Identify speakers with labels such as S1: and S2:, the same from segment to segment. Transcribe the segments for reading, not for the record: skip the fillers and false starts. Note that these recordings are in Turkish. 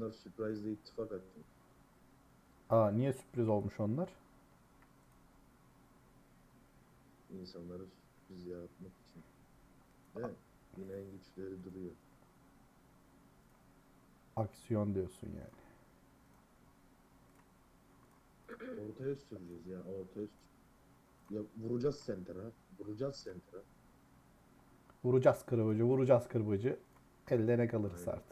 S1: Onlar sürprizle ittifak attı.
S2: Aa, niye sürpriz olmuş onlar?
S1: İnsanları sürpriz yaratmak için. Ve yine en güçleri duruyor.
S2: Aksiyon diyorsun yani.
S1: Ortaya süreceğiz ya. Ortaya ya vuracağız center'a. Vuracağız center'a.
S2: Vuracağız kırbacı, vuracağız kırbacı. Elde ne kalırsa
S1: Aynen.
S2: artık.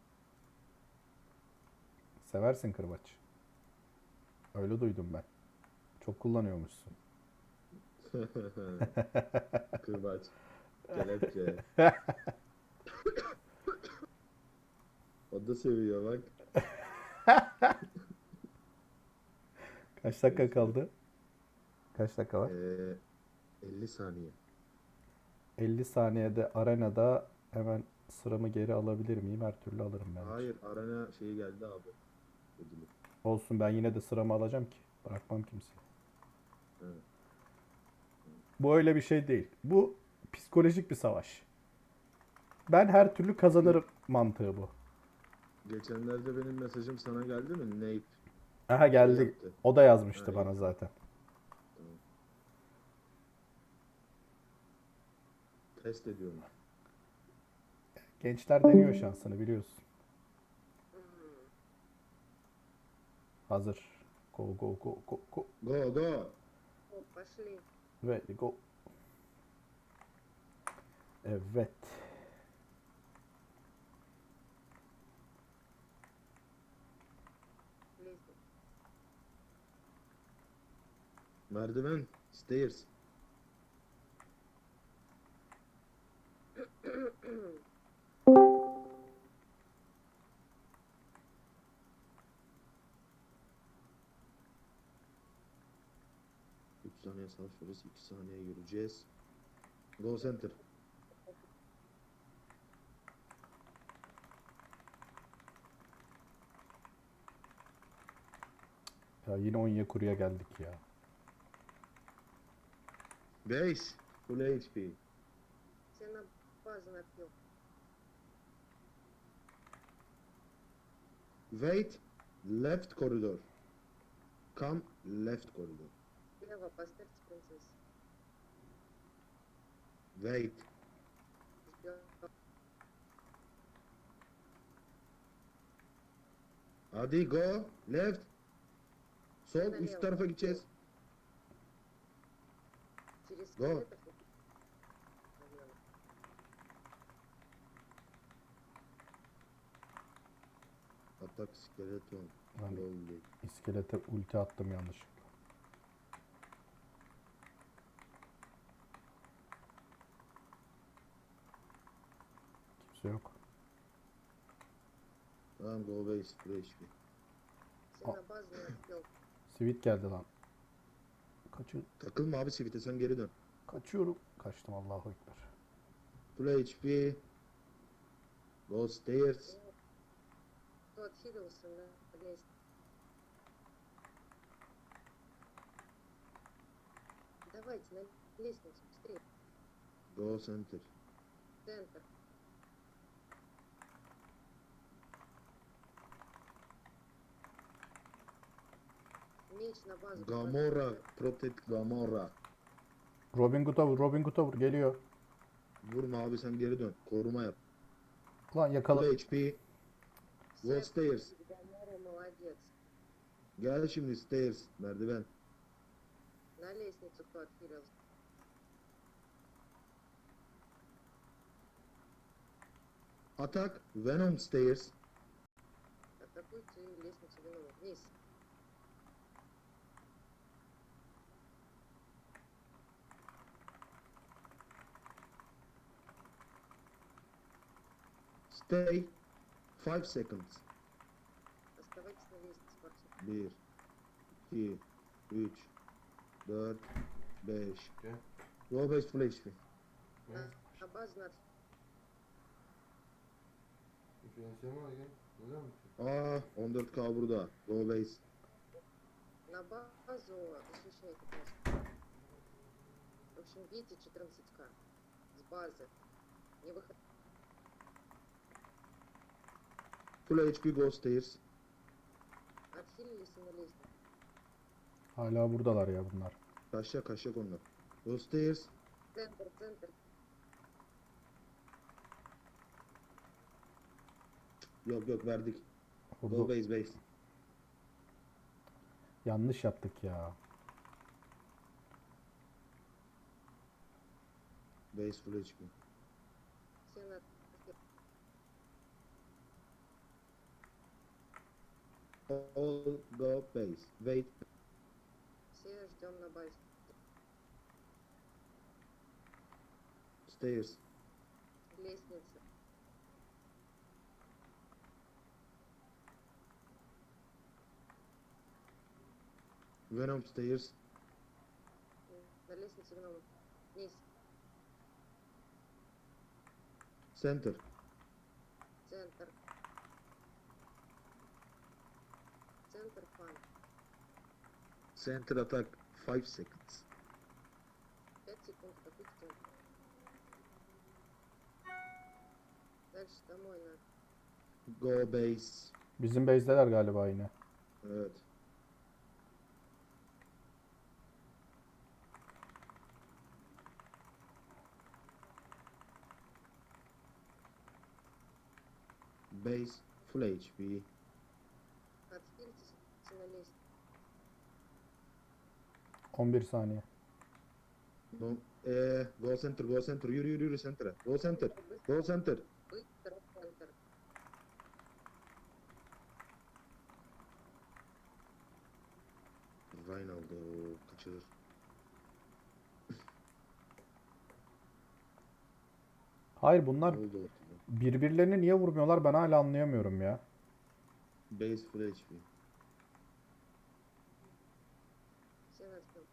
S2: Seversin kırbaç. Öyle duydum ben. Çok kullanıyormuşsun.
S1: Kırbaç. Kelepçe. O da seviyor bak.
S2: Kaç dakika
S1: Neyse.
S2: kaldı? Kaç dakika var?
S1: 50 saniye.
S2: 50 saniyede arenada hemen sıramı geri alabilir miyim? Her türlü alırım bence.
S1: Hayır, arena şeyi geldi abi. Ödülü.
S2: Olsun, ben yine de sıramı alacağım ki. Bırakmam kimseyi.
S1: Evet.
S2: Bu öyle bir şey değil. Bu psikolojik bir savaş. Ben her türlü
S1: Ge-
S2: kazanırım mantığı bu.
S1: Geçenlerde benim mesajım sana geldi mi? Nate
S2: Aha,
S1: şey
S2: geldi.
S1: yaptı.
S2: O da
S1: Ha,
S2: yazmıştı
S1: iyi
S2: bana
S1: tamam.
S2: zaten.
S1: Tamam. Test ediyorum.
S2: Gençler deniyor şansını, biliyorsun. Hazır. Go go go go go.
S1: Go go.
S3: О, пошли.
S2: Ready go. Evet.
S3: Лестница.
S1: Merdiven. Stairs. Üç saniye savaşıyoruz. 2 saniye yürüyeceğiz. Go center.
S2: Ya yine Onyekuru'ya geldik ya.
S1: Base. Full HP.
S3: Все на базу напил.
S1: Wait. Left corridor. Come left corridor.
S3: Слева поставьте принцессу.
S1: Wait.
S3: Ждем.
S1: Hadi go. Left. Sol
S3: Налево.
S1: üst tarafa gideceğiz.
S3: Через
S1: Go.
S3: скелетов. Налево.
S1: Atak skeleton.
S2: Ben
S1: Lolly.
S2: iskelete ulti attım yanlışlıkla. Kimse yok.
S1: Tamam go base. Full HP.
S3: Все на базу напил.
S2: Sweet geldi lan.
S1: Takılma abi sivite sen geri dön.
S2: Kaçıyorum. Kaçtım, Allahu Ekber.
S1: Full HP. Go stairs.
S3: Кто отхилился на лестнице? Давайте на лестницу быстрее.
S1: Go center.
S3: Центр. Меч на базу.
S1: Gamora. Protect Gamora.
S2: Robin Hood'a vur, Robin Hood'a vur. Geliyor.
S1: Vurma abi sen geri dön. Koruma yap.
S2: Lan yakala.
S1: Full HP. Go stairs.
S3: Гамора молодец.
S1: Gel şimdi stairs. Merdiven.
S3: На лестницу кто отхилился?
S1: Atak. Venom stairs.
S3: Атакуйте лестницу Венома. Вниз.
S1: Stay. 5 seconds.
S3: Оставайтесь на лестнице, Спартак.
S1: 1, 2, 3, 4, 5.
S4: Gel.
S1: Go base full HP.
S4: Gel.
S3: На базу надо.
S4: Diferansiyel var gel. Burada mı?
S1: Aa 14k burada. Go base.
S3: На базу защищайте базу. В общем, бейте 14к. С базы. Не выход.
S1: Full HP, go stairs.
S3: Отхилились и на лестницу.
S2: Hala buradalar ya bunlar.
S1: Kaçacak kaçacak onlar. Go stairs.
S3: Центр, центр.
S1: Yok yok verdik. Go
S2: Vurdu.
S1: base.
S2: Yanlış yaptık ya.
S1: Base full HP.
S3: Все на...
S1: All go base. Wait.
S3: Все ждем на базе.
S1: Stairs.
S3: Лестница.
S1: Venom stairs.
S3: На лестнице гнома. Вниз.
S1: Center.
S3: Центр. Центр фан.
S1: Center attack 5 seconds.
S3: 5 секунд, какой центр. Дальше домой надо.
S1: Go base.
S2: Bizim base'deler galiba yine.
S1: Evet. Base full HP.
S3: Отхилитесь на лестницу.
S2: 11 saniye.
S1: No, go center, go center. Yürü center'a. Go center. Go center.
S3: Быстро центр.
S1: Ryan aldı o kaçırır.
S2: Hayır bunlar
S1: Ne oldu ortada?
S2: birbirlerini niye vurmuyorlar ben hala anlayamıyorum ya.
S1: Base full HP.
S3: Все на спину.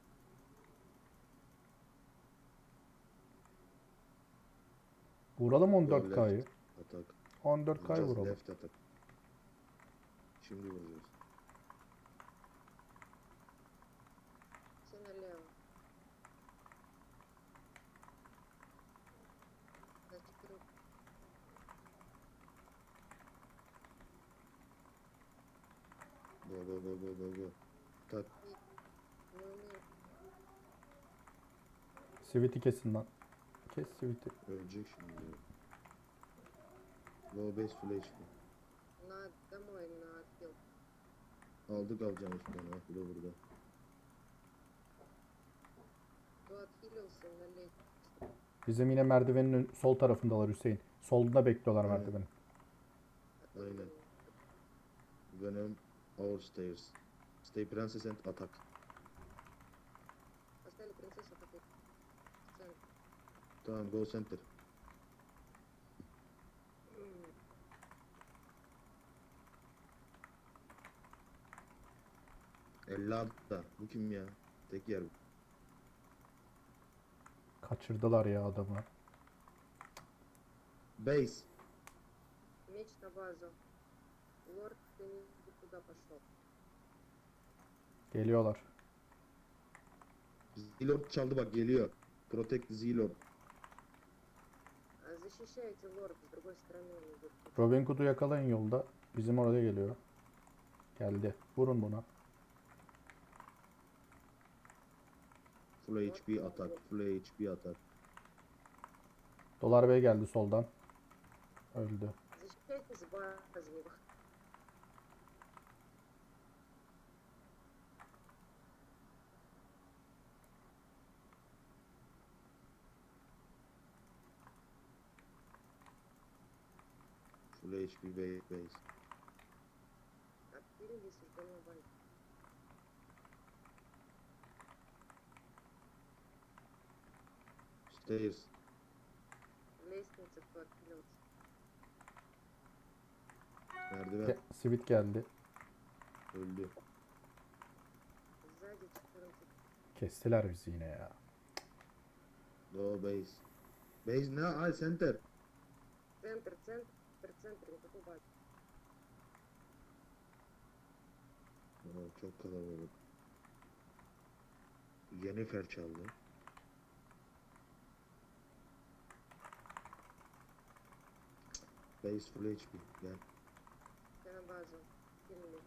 S2: Vuralım
S1: Go
S2: 14K'yı.
S1: left attack.
S2: 14K'yı
S1: Just
S2: vuralım.
S1: left attack. Şimdi vuracağız.
S3: Все налево. Значит, круг.
S1: Go. Tak.
S3: Не умею.
S2: Sivit'i kesin lan. Kes Sivit'i.
S1: Ölecek şimdi. Go base full HP.
S3: На домой, на отхил.
S1: Aldık alacağımız sonra. Bu da burada.
S3: Кто отхилился на лестницу.
S2: Bizim yine merdivenin sol tarafındalar Hüseyin. Solunda bekliyorlar
S1: Aynen.
S2: merdivenin.
S1: Aynen. Venom our stairs. Stay princess and attack.
S3: Поставили принцессу в отель. В центр.
S1: Tamam go center. Da. Bu kim ya? Tek yer bu.
S2: Kaçırdılar ya adamı.
S1: Base.
S3: Меч на базу. Лорд, ты не туда пошел.
S2: Geliyorlar.
S1: Zilord çaldı bak geliyor. Protect Zilord.
S3: Защищайте лорд, с другой стороны он идет.
S2: Robin Hood'u yakalayın yolda. Bizim oraya geliyor. Geldi. Vurun buna.
S1: Full HP atak. Full HP atak.
S2: Dolar Bey geldi soldan. Öldü.
S3: Защищайте с базы его.
S1: Full HP base.
S3: Отхилились и ждем на базе.
S1: Stairs.
S3: Лестница, кто отхилился.
S1: Merdiven.
S2: Sivit geldi.
S1: Öldü.
S3: Сзади 14.
S2: Kestiler bizi yine ya.
S1: Go base. Base ne? Ay center.
S3: Центр, центр, никакой базы.
S1: Oo, çok kalabalık. Yennefer çaldı. Base full HP. Gel.
S3: base. Kill me.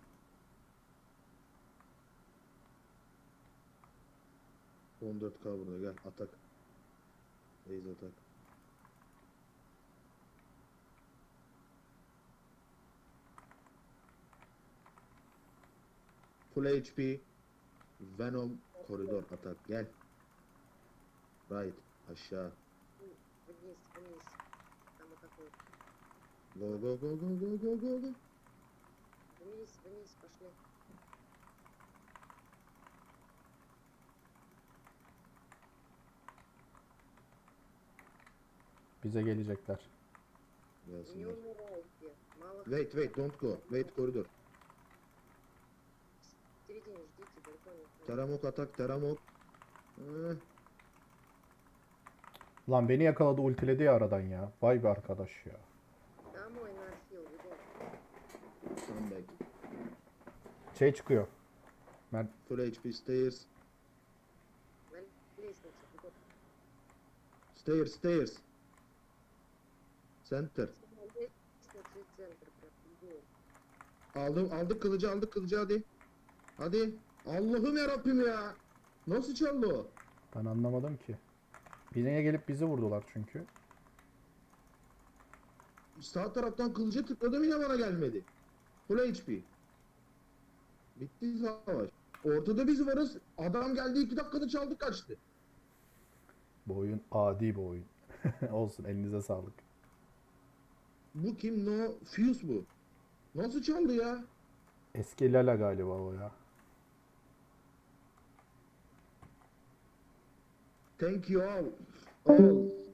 S1: ...14k burada gel atak. Base atak. Full HP. Venom koridor atak gel. Right aşağı.
S3: Вниз, вниз. Там атакуют.
S1: Go go go go go go go go.
S3: Вниз, вниз, пошли.
S2: Bize gelecekler.
S3: Не
S1: Gelsinler.
S3: умирайте. Мало
S1: Wait don't go. Wait koridor.
S3: в середине ждите, далеко не.
S1: Teramok atak teramok.
S2: Lan beni yakaladı, ultiledi ya aradan ya. Vay be arkadaş ya.
S3: Домой на хил, бегом.
S1: Come back.
S2: Şey çıkıyor.
S1: Full HP stairs.
S3: На лестнице, бегом.
S1: Stairs stairs. Center.
S3: На лестнице и центр, прям, бегом.
S1: Aldık kılıcı hadi. Hadi. Allah'ım yarabbim ya. Nasıl çaldı o?
S2: Ben anlamadım ki. Birine gelip bizi vurdular çünkü.
S1: Sağ taraftan kılıca tıkladım yine bana gelmedi. Full HP. Bitti savaş. Ortada biz varız. Adam geldi 2 dakikada çaldı kaçtı.
S2: Bu oyun adi bir oyun. Olsun, elinize sağlık.
S1: Bu kim? No Fuse bu. Nasıl çaldı ya?
S2: Eski Lala galiba o ya.
S1: Thank you all. All.